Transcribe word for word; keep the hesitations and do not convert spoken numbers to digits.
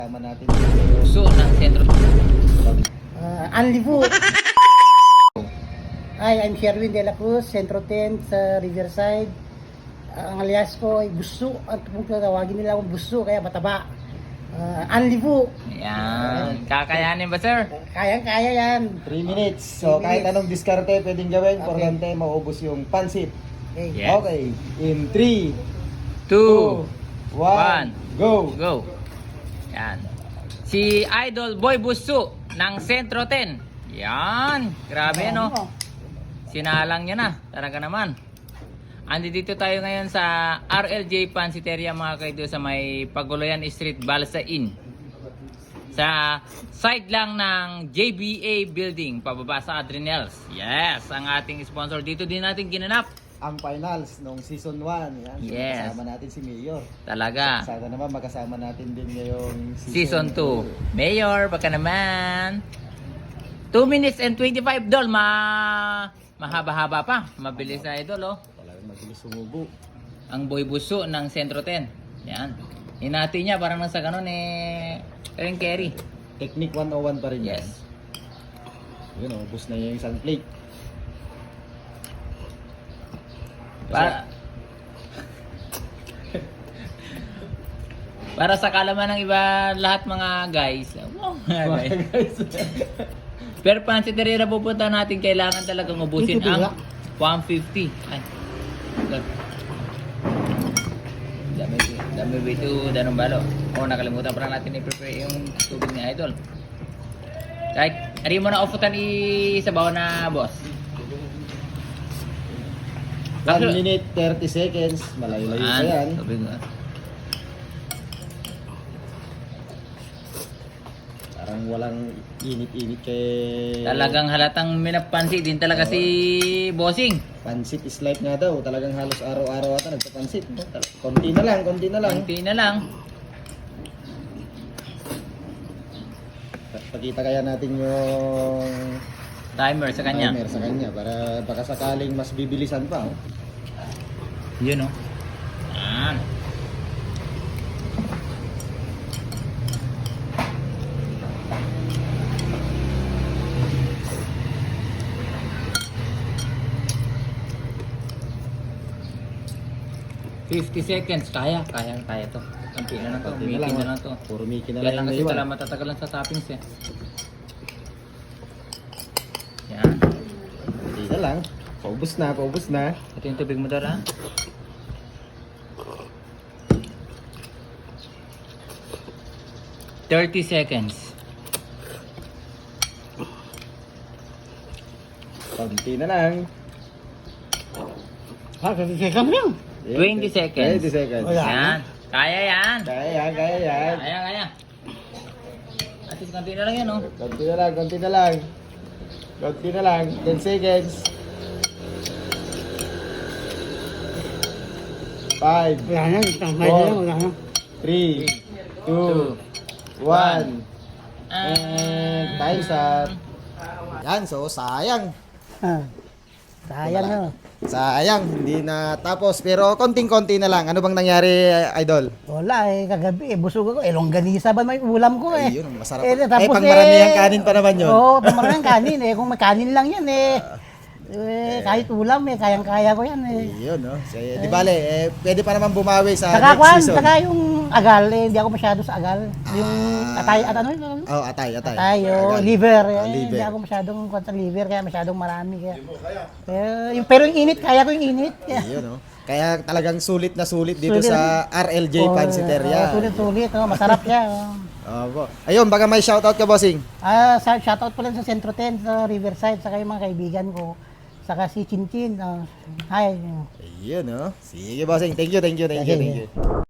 Tama natin. So, ng sentro. Uh, Anlivu. Hi, I'm Sherwin De La Cruz, Centro ten sa Riverside. Uh, ang alias ko ay Busso. At kung tawagin nila akong Busso, kaya mataba. Uh, Anlivu. Yan. Kakayanin ba, sir? Kayang-kaya yan. three minutes. So, Three kahit minutes. anong diskarte pwedeng gawin, Okay. importante maubos yung pansit. Okay. Yeah. Yes. Okay. In three, Two. one, go! Go. Yan. Si Idol Boy Busso ng Sentro ten. Yan. Grabe, no? Sinalang niya na. Talaga naman. Andi dito tayo ngayon sa R L J Pansiteria, mga kaido, sa may Paguluyan Street, Balsain. Sa side lang ng J B A Building, pababa sa Adrenals. Yes, ang ating sponsor. Dito din natin ginanap. Ang finals nung season one. Yan. So, Yes. Kasama natin si Mayor. Talaga. Sana naman makasama natin din ngayong Season two. Mayor, baka naman. two minutes and twenty-five doll. Ma mahaba-haba pa. Mabilis na idol, oh. Talagang mabilis sumubo. Ang Boy Busso ng Sentro ten. Yan. Hinati niya parang nasa ganun eh. Kering carry. Technique one oh one pa rin yan. Yes. Yun, oh, ubos na yung isang plate. Para Para sa kalaman ng iba lahat mga guys. Wow, mga guys. Pero pansiteria na pupunta natin, kailangan talagang ubusin ang one fifty. Ay. God. Dami, dami bito, danong balo. O, nakalimutan pa natin i-prepare yung tubig ni Idol. Kahit, ari mo na ofutan isabaw na, boss. one minute thirty seconds. Malayo-layo pa yan. Tubig nga. Parang walang init-init kay... Talagang halatang minapansi din talaga si Bossing. Pansit is life nga daw. Talagang halos araw-araw ata nagpapansit. Konti na lang, konti na lang. Konti na lang. Pakita kaya natin yung Timer sa kanya. timer sa kanya para baka sakaling mas bibilisan pa. Oh. Yun, oh. Yan. fifty seconds. Kaya, kaya, kaya to. Konti na lang to. Konti na lang, Mikin na oh. lang to. Puro Mickey na Kaya lang lang yung kasi naiwan. pala matatagalan sa toppings eh. Yan. Hindi na lang. Paubos na, paubos na. Ito yung tubig mo dala. thirty seconds. Konti na lang. Ha, kasi sekam lang. twenty seconds. twenty seconds. Wala. Yan. Kaya yan. Kaya yan, kaya yan. Kaya, kaya. At least konti na lang yan, oh. Konti na lang, konti na lang. Konti na lang. ten seconds. five, Wala na, tambay na lang, wala na. three, two, one. And time's up. Yan, so sayang. Ah, sayang na. Sayang, hindi na tapos. Pero konting-konti na lang. Ano bang nangyari, Idol? Wala eh, kagabi eh, busog ako. Eh, longganisa ba may ulam ko eh. Ayun, masarap. Eh, Eh, tapos pang maramihang kanin pa naman yun. Oo, pang maramihang kanin eh. Kung may kanin lang yan eh. Eh, kahit ulam eh, kayang-kaya ko yan eh. Ayun, no? So, eh, di bale, eh, pwede pa naman bumawi sa Saka next kwan, season. saka yung agal eh, hindi ako masyado sa agal. Yung atay, at ano yun? Oh, atay, atay. Tayo, Agal. liver. Eh, Ah, liver. Hindi ako masyadong kwan sa liver, kaya masyadong marami. Kaya. Pero, yung, pero yung init, kaya ko yung init. Kaya. Ayun, no? Kaya talagang sulit na sulit dito Sulit. sa R L J Oh, Pansiteria. oh, sulit-sulit, oh, masarap siya. Oh. Opo. Ayun, baka may shoutout ka, bossing. Ah, sa shoutout pala sa Centro ten sa Riverside, saka yung mga kaibigan ko. Saka si Chinchin. Uh, hi. Ayun, no? Sige, bossing. Thank you, thank you, thank you, Sige. thank you.